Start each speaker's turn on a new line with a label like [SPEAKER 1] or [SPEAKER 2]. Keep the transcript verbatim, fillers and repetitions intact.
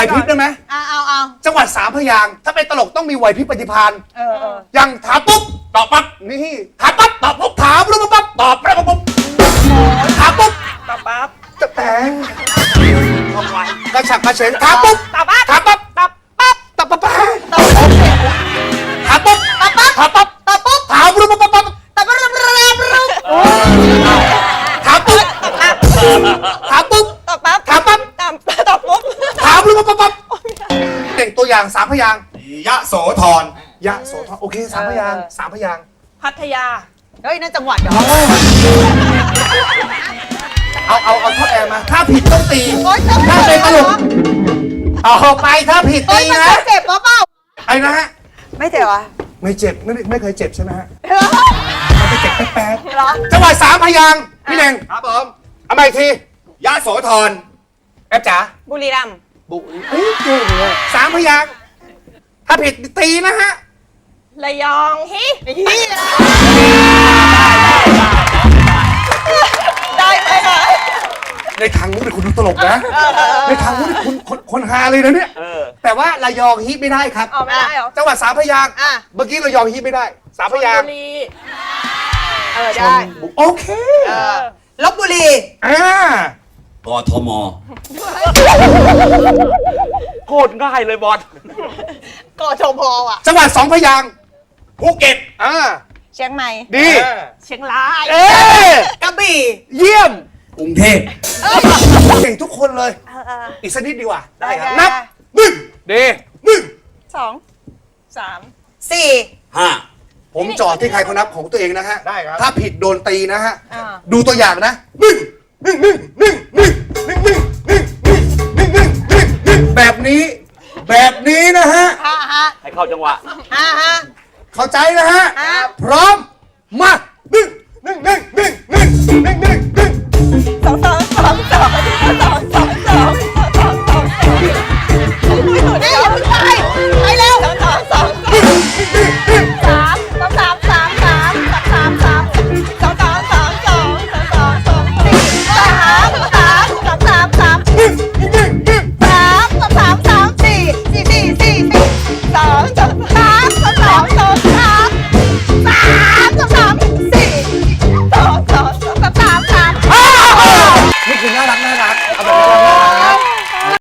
[SPEAKER 1] พริบได้ไหม
[SPEAKER 2] เอาเอาเอา
[SPEAKER 1] จังหวัดสามพยางค์ถ้าเป็นตลกต้องมีไหวพริบปฏิภาณ
[SPEAKER 2] เออเออ
[SPEAKER 1] อย่างถามปุ๊บตอบปั๊บนี่ถามปั๊บตอบปุ๊บถามปุ๊บปั๊บตอบปั๊บปุ๊บถามปุ๊บ
[SPEAKER 3] ตอบปั๊บ
[SPEAKER 1] จะแต่งกระฉับกระเฉงถามปุ๊บ
[SPEAKER 3] ตอบปั๊บ
[SPEAKER 1] ถามปั๊บ
[SPEAKER 3] ตอบปั๊บ
[SPEAKER 1] ตอบปั๊บ
[SPEAKER 2] ตอบปุ๊บ
[SPEAKER 1] ถามปุ๊บ
[SPEAKER 2] ตอบปั๊บ
[SPEAKER 1] ถามปั๊บ
[SPEAKER 2] ตอบปุ๊บ
[SPEAKER 1] ถามปุ๊บปั๊บปั๊บ
[SPEAKER 2] ตอบปุ๊บตอบปุ๊บ
[SPEAKER 1] ถามปุ๊บถามปุ๊บ
[SPEAKER 3] ตอบปั๊บ
[SPEAKER 1] ถามปั๊บ
[SPEAKER 3] ตอบตอบปุ๊บ
[SPEAKER 1] ถามปุ๊บปั๊บปั๊บเต่งตัวอย่างสามพยางค์
[SPEAKER 4] ยะโสธร
[SPEAKER 1] ยะโสธรโอเคสามพยางค์สามพยางค์
[SPEAKER 3] พัทยา
[SPEAKER 2] เฮ้ยนั่นจังหวัดเหรอ
[SPEAKER 1] เอาเอาเอาท่อแอร์มาถ้าผิดต้องตี
[SPEAKER 2] โอ๊ยจะ
[SPEAKER 1] ถ้าเป็นตลกเอาไปถ้าผิด
[SPEAKER 2] เฮ้
[SPEAKER 1] ตี
[SPEAKER 2] ยมัน
[SPEAKER 1] นะ
[SPEAKER 2] จะเจ็บหรือเปล่า
[SPEAKER 1] ไอ้นะฮะ
[SPEAKER 2] ไม่เจ็บอ่ะ
[SPEAKER 1] ไม่เจ็บไม่ไม่เคยเจ็บใช่ไหมฮะ
[SPEAKER 2] เหรอ
[SPEAKER 1] มันจะเจ็บแป๊บ
[SPEAKER 2] เหรอ
[SPEAKER 1] ๆจังหวัดสามพยางค์พี่เน่ง
[SPEAKER 4] ครับผม
[SPEAKER 1] เอามาอีกที
[SPEAKER 4] ยะโสธร
[SPEAKER 1] แอปจ๋า
[SPEAKER 3] บุรีรัมย์
[SPEAKER 1] บุเอ้ยเก่งเลยสามพยางค์ถ้าผิดตีนะฮะ
[SPEAKER 3] ระยองฮิ
[SPEAKER 2] ได้ไหมคะ
[SPEAKER 1] ในทางนู้นเนี่ยคุณดูตลกนะในทางนู้นเนี่ยคุณคนคนฮาเลยนะเนี่ยแต่ว่าระยองฮิตไม่ได้ครับ
[SPEAKER 3] อ๋อไม่ได้เหรอ
[SPEAKER 1] จังหวัดสามพยางค์
[SPEAKER 2] อ่ะ
[SPEAKER 1] เมื่อกี้ระยองฮิตไม่ได้สามพยาง
[SPEAKER 3] บุ
[SPEAKER 1] ค์
[SPEAKER 3] รี
[SPEAKER 2] เออได้
[SPEAKER 1] โอเค
[SPEAKER 2] เออลบบุรี
[SPEAKER 1] อ่าก
[SPEAKER 4] ทม
[SPEAKER 5] โคตรง่ายเลยบอล
[SPEAKER 2] กอชพอ่ะ
[SPEAKER 1] จังหวัดสองพยางค์
[SPEAKER 4] ภูเก็ต
[SPEAKER 1] อ่า
[SPEAKER 2] เชียงใหม่
[SPEAKER 1] ดี
[SPEAKER 3] เชียงราย
[SPEAKER 1] เอ๊ะ
[SPEAKER 2] กระบี่
[SPEAKER 1] เยี่ยม
[SPEAKER 4] กรุงเทพ
[SPEAKER 1] เก่งทุกคนเลย
[SPEAKER 2] เออเออ
[SPEAKER 1] อีกสักนิดดีกว่า
[SPEAKER 2] ได้ครับ
[SPEAKER 1] นับหนึ่ง
[SPEAKER 5] ดี
[SPEAKER 1] หนึ่ง
[SPEAKER 2] สอง
[SPEAKER 3] สาม
[SPEAKER 2] สี่
[SPEAKER 4] ห้า
[SPEAKER 1] ผมจอดที่ใครเขานับของตัวเองนะฮะ
[SPEAKER 4] ได้ครับ
[SPEAKER 1] ถ้าผิดโดนตีนะฮะ
[SPEAKER 2] อ่า
[SPEAKER 1] ดูตัวอย่างนะหนึ่งหนึ่งหนึ่งหนึ่งหนึ่งหนึ่งหนึ่งหนึ่งหนึ่งหนึ่งหนึ่งหนึ่งแบบนี้ แบบนี้นะฮะ
[SPEAKER 2] ห้าฮะ
[SPEAKER 5] ให้เข้าจังหวะ
[SPEAKER 2] ห้าฮะ
[SPEAKER 1] เข้าใจนะฮะ
[SPEAKER 2] ครับ
[SPEAKER 1] พร้อม มาหนึ่งหนึ่งหนึ่งหนึ่งหนึ่งหนึ่งหนึ่ง